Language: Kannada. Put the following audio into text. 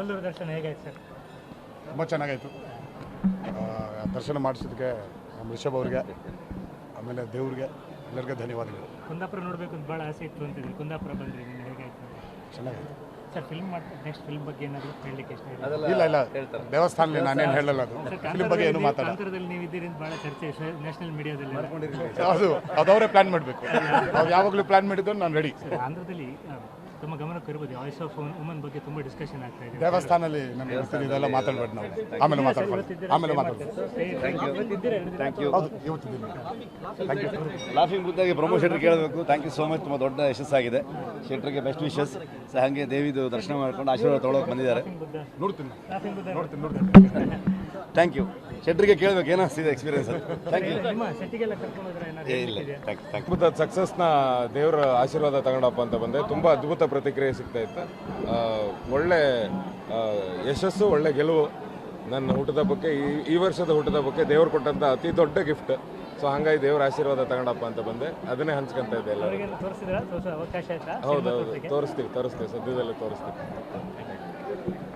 ಕೊಲ್ಲೂರು ದರ್ಶನ ಹೇಗಾಯ್ತು ಸರ್? ತುಂಬ ಚೆನ್ನಾಗಾಯಿತು. ದರ್ಶನ ಮಾಡಿಸಿದ್ದಕ್ಕೆ ನಮ್ಮ ರಿಷಬ್ ಅವ್ರಿಗೆ, ಆಮೇಲೆ ದೇವ್ರಿಗೆ ಎಲ್ಲರಿಗೂ ಧನ್ಯವಾದಗಳು. ಕುಂದಾಪುರ ನೋಡಬೇಕು ಅಂತ ಭಾಳ ಆಸೆ ಇತ್ತು ಅಂತಿದ್ರಿ, ಕುಂದಾಪುರ ಬಂದ್ರಿ, ನಿನ್ನೆ ಹೇಗಾಯ್ತು? ಚೆನ್ನಾಗಾಯಿತು ಸರ್ ಫಿಲ್ಮ್ ನೆಕ್ಸ್ಟ್ ಫಿಲ್ಮ್ ಬಗ್ಗೆ ಏನಾದರೂ ಹೇಳಲಿಕ್ಕೆ ಇಷ್ಟ ಇದೆ? ಇಲ್ಲ ದೇವಸ್ಥಾನದಲ್ಲಿ ನಾನೇನು ಹೇಳಲ್ಲ. ಅದು ಫಿಲ್ಮ್ ಬಗ್ಗೆ ಏನು ಮಾತಾಡ. ಕಾಂತಾರದಲ್ಲಿ ನೀವು ಇದ್ದೀರಿ ಅಂತ ಭಾಳ ಚರ್ಚೆ ನ್ಯಾಷನಲ್ ಮೀಡಿಯಾದಲ್ಲಿ. ಅದು ಅವರೇ ಪ್ಲಾನ್ ಮಾಡಬೇಕು. ಅವ್ರು ಯಾವಾಗಲೂ ಪ್ಲಾನ್ ಮಾಡಿದ್ದು ನಾನು ರೆಡಿ. ಆಂಧ್ರದಲ್ಲಿ ತಮ್ಮ ಗಮನಕ್ಕೆ ಇರ್ಬೋದು, ವಾಯ್ಸ್ ಆಫ್ ವುಮನ್ ಬಗ್ಗೆ ತುಂಬ ಡಿಸ್ಕಷನ್ ಆಗ್ತಾ ಇದೆ. ದೇವಸ್ಥಾನದಲ್ಲಿ ನನಗೆ ಗೊತ್ತಿಲ್ಲ, ಇದೆಲ್ಲ ಮಾತಾಡ್ಬೇಡಿ ನಾವು. ಆಮೇಲೆ ಮಾತಾಡ್ಬೋದು. ಲಾಫಿಂಗ್ ಬುದ್ಧಾಗಿ ಪ್ರಮೋ ಶೆಟ್ರಿಗೆ ಕೇಳಬೇಕು. Thank you so much. ತುಂಬ ದೊಡ್ಡ ಯಶಸ್ಸಾಗಿದೆ. ಶೆಟ್ರಿಗೆ ಬೆಸ್ಟ್ ವಿಶಸ್. ಹಾಗೆ ದೇವಿದು ದರ್ಶನ ಮಾಡ್ಕೊಂಡು ಆಶೀರ್ವಾದ ತೊಗೊಳಕ್ಕೆ ಬಂದಿದ್ದಾರೆ. ನೋಡ್ತೀನಿ. Thank you. ಶೆಟ್ರಿಗೆ ಕೇಳಬೇಕು ಏನಿಸ್ತಿದೆ ಎಕ್ಸ್ಪೀರಿಯನ್ಸ್ ಅದು. Thank you. ಅದ್ಭುತ ಸಕ್ಸಸ್ನ ದೇವರ ಆಶೀರ್ವಾದ ತಗೊಂಡಪ್ಪ ಅಂತ ಬಂದೆ. ತುಂಬ ಅದ್ಭುತ ಪ್ರತಿಕ್ರಿಯೆ ಸಿಗ್ತಾ ಇತ್ತು. ಒಳ್ಳೆ ಯಶಸ್ಸು, ಒಳ್ಳೆ ಗೆಲುವು. ನನ್ನ ಹುಟ್ಟುಹಬ್ಬಕ್ಕೆ, ಈ ವರ್ಷದ ಹುಟ್ಟುಹಬ್ಬಕ್ಕೆ ದೇವ್ರು ಕೊಟ್ಟಂಥ ಅತಿ ದೊಡ್ಡ ಗಿಫ್ಟ್. ಸೊ ಹಾಗಾಗಿ ದೇವರ ಆಶೀರ್ವಾದ ತಗೊಂಡಪ್ಪ ಅಂತ ಬಂದೆ. ಅದನ್ನೇ ಹಂಚ್ಕೊಂತ ಇದ್ದೆ ಎಲ್ಲ. ಹೌದೌದು, ತೋರಿಸ್ತೀವಿ ಸದ್ಯದಲ್ಲೇ ತೋರಿಸ್ತೀವಿ.